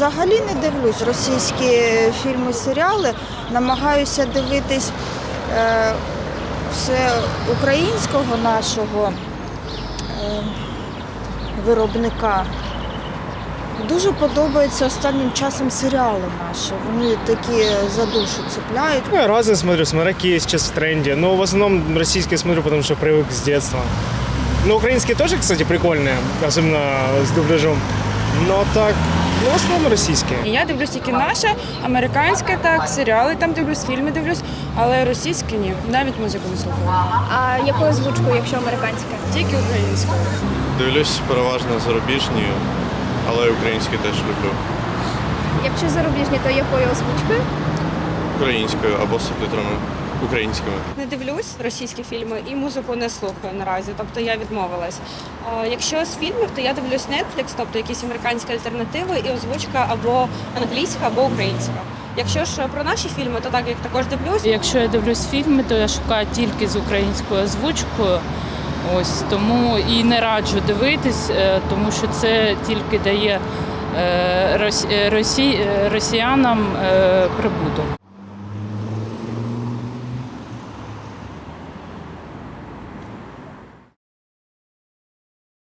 взагалі не дивлюсь російські фільми, серіали. Намагаюся дивитись все українського нашого виробника. Дуже подобаються останнім часом серіали наші. Вони такі за душу цепляють. Ну, я разные смотрю, какие сейчас в тренде. Но в основном российские смотрю, потому что привык с детства. Ну, украинские тоже, кстати, прикольные, особенно с дубляжом. Но так, ну, в основном российские. Я дивлюсь тільки наше, американське так, серіали там дивлюсь, фільми дивлюсь, але російське ні, навіть музику не слухаю. А якою озвучкою, якщо американське? Тільки українською. Дивлюсь переважно зарубіжні, але українські теж люблю. Якщо зарубіжні, то якою озвучкою? Українською або з субтитрами українськими. Не дивлюсь російські фільми і музику не слухаю наразі, тобто я відмовилась. Якщо з фільмів, то я дивлюсь Netflix, тобто якісь американські альтернативи і озвучка або англійська, або українська. Якщо ж про наші фільми, то так, як також дивлюсь. Якщо я дивлюсь фільми, то я шукаю тільки з українською озвучкою. Ось тому і не раджу дивитись, тому що це тільки дає росіянам прибуток.